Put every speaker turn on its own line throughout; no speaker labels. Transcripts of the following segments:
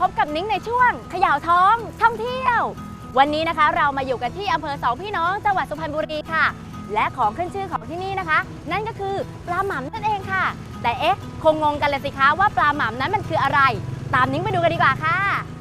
บกับนิ้งในช่วงเขย่าท้องท่องเที่ยววันนี้นะคะเรามาอยู่กันที่อำเภอสองพี่น้องจังหวัดสุพรรณบุรีค่ะและของขึ้นชื่อของที่นี่นะคะนั่นก็คือปลาหม่ำนั่นเองค่ะแต่เอ๊ะคงงงกันเลยสิคะว่าปลาหม่ำนั้นมันคืออะไรตามนิ้งไปดูกันดีกว่าค่ะ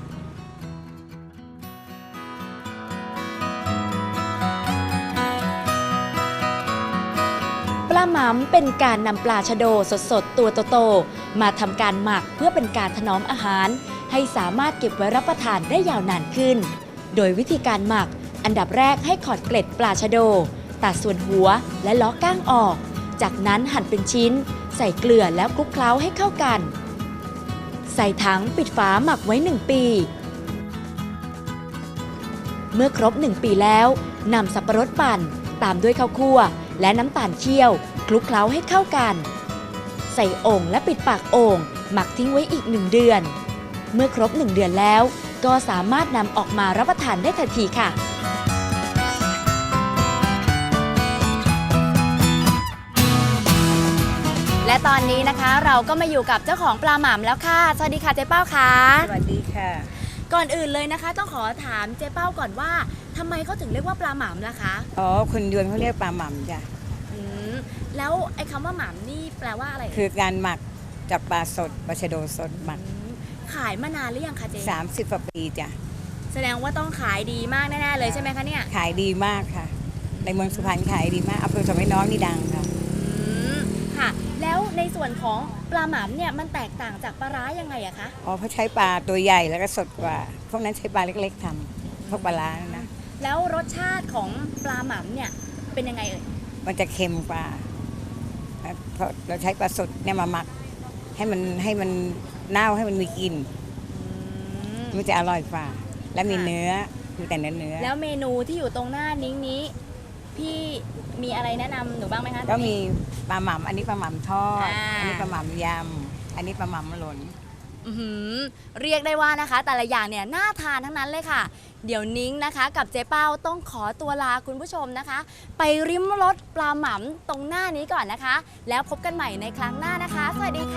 ปลาหม่ำเป็นการนำปลาชะโดสดๆตัวโตๆมาทำการหมักเพื่อเป็นการถนอมอาหารให้สามารถเก็บไว้รับประทานได้ยาวนานขึ้นโดยวิธีการหมักอันดับแรกให้ขอดเกล็ดปลาชะโดตัดส่วนหัวและล้อก้างออกจากนั้นหั่นเป็นชิ้นใส่เกลือแล้วคลุกเคล้าให้เข้ากันใส่ถังปิดฝาหมักไว้1 ปีเมื่อครบ1 ปีแล้วนำสับปะรดปั่นตามด้วยข้าวคั่วและน้ำตาลเคี่ยวคลุกเคล้าให้เข้ากันใส่โอ่งและปิดปากโอ่งหมักทิ้งไว้อีก1 เดือนเมื่อครบ1 เดือนแล้วก็สามารถนำออกมารับประทานได้ทันทีค่ะและตอนนี้นะคะเราก็มาอยู่กับเจ้าของปลาหม่ำแล้วค่ะสวัสดีค่ะเจ๊เป้าค่ะ
สวัสดีค่ะ
ก่อนอื่นเลยนะคะต้องขอถามเจ๊เป้าก่อนว่าทำไมเขาถึงเรียกว่าปลาหม่ำล่ะคะ
อ๋อคนยวนเขาเรียกปลาหม่ำจ้ะ
แล้วไอ้คำว่าหม่ำนี่แปลว่าอะไร
คือการหมักจากปลาสดปลาชะโดสดหมัก
ขายมานานหรือยังคะเจ๊
30 กว่าปีจ้ะ
แสดงว่าต้องขายดีมากแน่ๆเลยใช่ไหมคะเนี่ย
ขายดีมากค่ะในเมืองสุพรรณขายดีมากอำเภอสองพี่น้องนี่ดังค่ะ
ค่ะแล้วในส่วนของปลาหม่ำเนี่ยมันแตกต่างจากปลาร้ายังไงอะคะ
อ๋อเขาใช้ปลาตัวใหญ่แล้วก็สดกว่าพวกนั้นใช้ปลาเล็กๆทำพวกปลาร้านะ
แล้วรสชาติของปลาหม่ำเนี่ยเป็นยังไงเอ่ย
มันจะเค็มกว่าเพราะเราใช้ปลาสดเนี่ยมาหมักให้มันเน่าให้มันมีกลิ่นมันจะอร่อยกว่าและมีเนื้อคือแต่เนื้อ
แล้วเมนูที่อยู่ตรงหน้านิ้งนี้พี่มีอะไรแนะนำหนูบ้างไหมคะ
ก็มีปลาหม่ำอันนี้ปลาหม่ำทอดอันนี้ปลาหม่ำยำอันนี้ปลาหม่ำหล่น
เรียกได้ว่านะคะแต่ละอย่างเนี่ยน่าทานทั้งนั้นเลยค่ะเดี๋ยวนิ้งนะคะกับเจ๊เป้าต้องขอตัวลาคุณผู้ชมนะคะไปริมรสปลาหม่ำตรงหน้านี้ก่อนนะคะแล้วพบกันใหม่ในครั้งหน้านะคะสวัสดีค่ะ